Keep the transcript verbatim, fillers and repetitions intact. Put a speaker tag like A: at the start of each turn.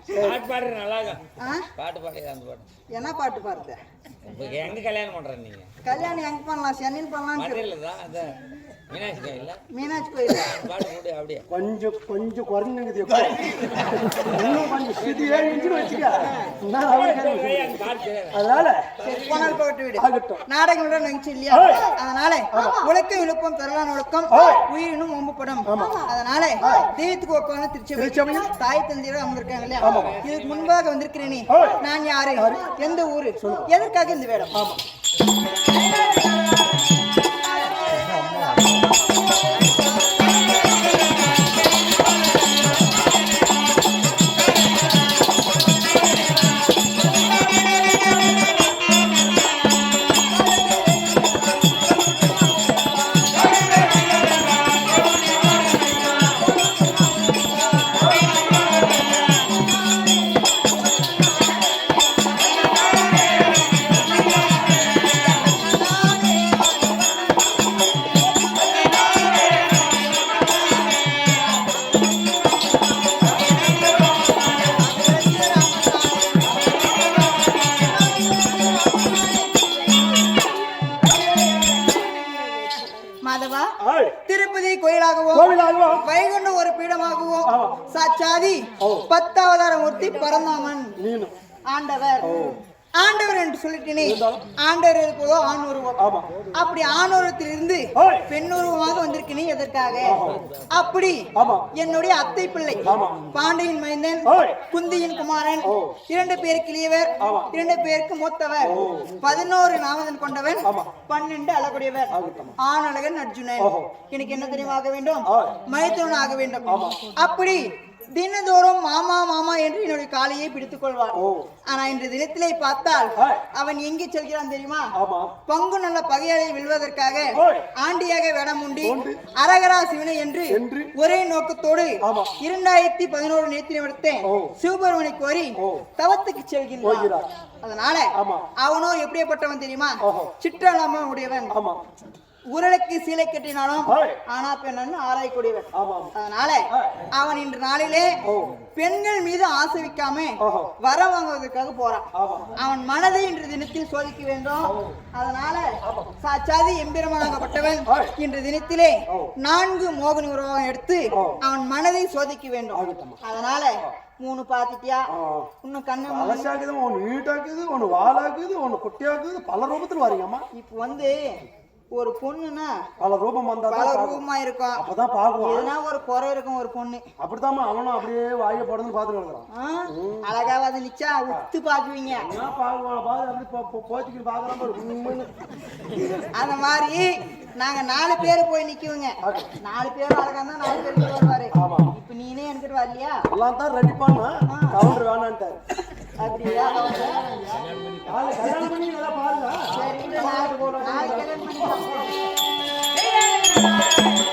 A: பாட்டு பாடுற நல்லா பாட்டு பாடுற அந்த பாட்டு
B: என்ன பாட்டு பாடுற?
A: எங்க கல்யாணம் பண்ற நீங்க?
B: கல்யாணம் எங்க பண்ணலாம்? சென்னையில் பண்ணலாம்.
A: மீனாட்சி கோயில். மீனாட்சி
B: கோயில்
A: பாட்டு போட்டு அப்படியே
C: கொஞ்சம் கொஞ்சம் குறைஞ்சுங்குது. இன்னும் கொஞ்சம் சிதியே இன்ச்சு வச்சுக்க. அதனால
B: போனால் போட்டு விடு. நாடகம் விட நினைச்சு இல்லையா? அதனால உலக்கம் இழுப்பம் பெறலான் ஒழுக்கம் உயிரினும் ஒம்புப்படும். அதனால தெய்வத்துக்கு ஒப்பான திருச்சி தாய் தந்தையோட அமர்ந்திருக்காங்க இல்லையா? இதுக்கு முன்பாக வந்திருக்கிறேன். நீ நான் யாரு, எந்த ஊரு, எதற்காக இந்த வேடம்? ஆமா திருப்பதி கோயிலாகவும் வைகுண்ட ஒரு பீடமாகவும் சாட்சாதி பத்தாவதார மூர்த்தி பரந்தாமன் ஆண்டவர். ஆண்டவர் என்று சொல்லிட்டேனே, ஆண்டவர் இருப்பதோ ஆண் உருவம். அப்படி ஆண் உருவத்திலிருந்து பெண் உருவமாக வந்திருக்கேனே எதற்காக? அப்படி என்னுடைய அத்தை பிள்ளை பாண்டியின் மைந்தன் குந்தியின் குமாரன் இரண்டு பேருக்கு இளையவர், இரண்டு பேருக்கு மூத்தவர், பதினோரு நாமதன் கொண்டவன், பன்னெண்டு அழகுடையவர், ஆண் அழகன் அர்ஜுனன். எனக்கு என்ன தெரியுமா ஆக வேண்டும்? மைத்துனன் ஆக வேண்டும். அப்படி தினதோறும் மாமா மாமா என்று என்னுடைய காலையை பிடித்துக் கொள்வார். ஆனா இன்று தினத்திலே பார்த்தால் அவன் எங்கே செல்கிறான் தெரியுமா? பங்கு நல்ல பகையாளை வெல்வதற்காக ஆண்டியாக வேடம் உண்டி அரகரா சிவனை என்று ஒரே நோக்கத்தோடு இரண்டாயிரத்தி பதினோரு நேற்று நிமிடத்தை சிவபெருமனை கோரி தவத்துக்கு செல்கின்றான். அதனால அவனோ எப்படிப்பட்டவன் தெரியுமா? சிற்றலாம உடையவன். உரலுக்கு சீலை கட்டினாலும் ஆனா பெண் ஆராயக்கூடியவன். அதனால அவன் இன்று நாளிலே பெண்கள் மீது ஆசை வைக்காம வர வாங்குவதற்காக போறான். அவன் மனதை இன்று தினத்தில் சோதிக்க வேண்டும். அதனால சாட்சாதி எம்பெருமானாகப்பட்டவன் இன்று தினத்திலே நான்கு மோகினி உருவம் எடுத்து அவன் மனதை சோதிக்க வேண்டும். அதனால மூணு பாத்திட்டியா? இன்னும் கண்ணு
C: அலசாக்குது, ஒன்னு நீட்டாக்குது, ஒன்னு வாழாக்குது, ஒன்னு குட்டியாக்குது, பல ரூபத்துல வரீங்கம்மா.
B: இப்ப வந்து ஒரு பொண்ணுன்னா
C: பல ரூபம் வந்தா
B: பல ரூபமா இருக்கும்.
C: அப்பதான் பாக்குவோம்.
B: எதுனா ஒரு குறை இருக்கும் ஒரு பொண்ணு.
C: அப்படித்தாம்மா அவனும் அப்படியே வாய போடுன்னு பாத்துட்டு இருக்கிறான்.
B: அழகா வந்து நிச்சா உத்து பாக்குவீங்க.
C: போத்திக்கு பாக்குறான்.
B: அந்த மாதிரி நாங்க நாலு பேரு போய் நிக்குவங்க. நாலு பேரும் அழகா தான் நாலு பேருக்கு வருவாரு. இப்ப நீனே என்கிட்ட வரலையா?
C: எல்லாம் தான் ரெடி பண்ணா கவுண்டர் வேணான்ட்டாரு.
B: அப்படியா?